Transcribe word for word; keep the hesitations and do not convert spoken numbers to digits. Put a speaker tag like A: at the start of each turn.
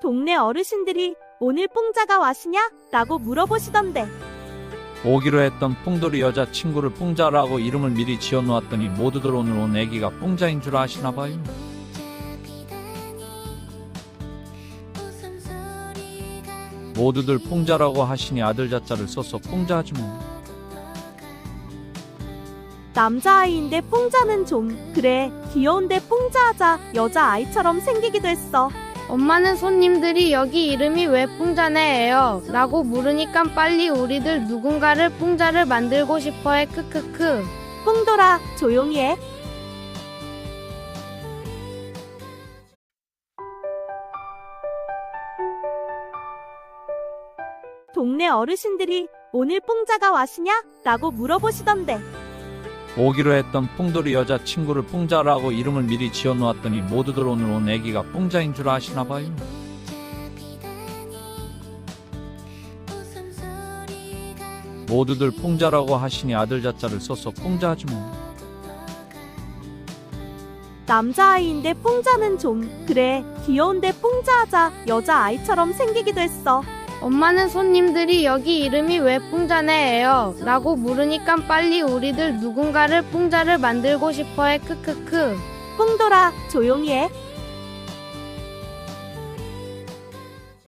A: 동네 어르신들이 오늘 뽕자가 왔으냐? 라고 물어보시던데.
B: 오기로 했던 뽕돌이 여자친구를 뽕자라고 이름을 미리 지어놓았더니 모두들 오늘 온 애기가 뽕자인 줄 아시나봐요. 모두들 뽕자라고 하시니 아들 자자를 써서 뽕자하지 뭐.
A: 남자아이인데 뽕자는 좀 그래 귀여운데 뽕자하자. 여자아이처럼 생기기도 했어.
C: 엄마는 손님들이 여기 이름이 왜 뽕자네예요? 라고 물으니까 빨리 우리들 누군가를 뽕자를 만들고 싶어해. 크크크.
A: 뽕돌아 조용히 해. 동네 어르신들이 오늘 뽕자가 왔으냐? 라고 물어보시던데.
B: 오기로 했던 뽕돌이 여자친구를 뽕자라고 이름을 미리 지어놓았더니 모두들 오늘 온 애기가 뽕자인 줄 아시나봐요. 모두들 뽕자라고 하시니 아들 자자를 써서 뽕자하지 뭐.
A: 남자아이인데 뽕자는 좀 그래 귀여운데 뽕자하자. 여자아이처럼 생기기도 했어.
C: 엄마는 손님들이 여기 이름이 왜 뽕자네예요? 라고 물으니까 빨리 우리들 누군가를 뽕자를 만들고 싶어해. 크크크.
A: 뽕돌아 조용히 해.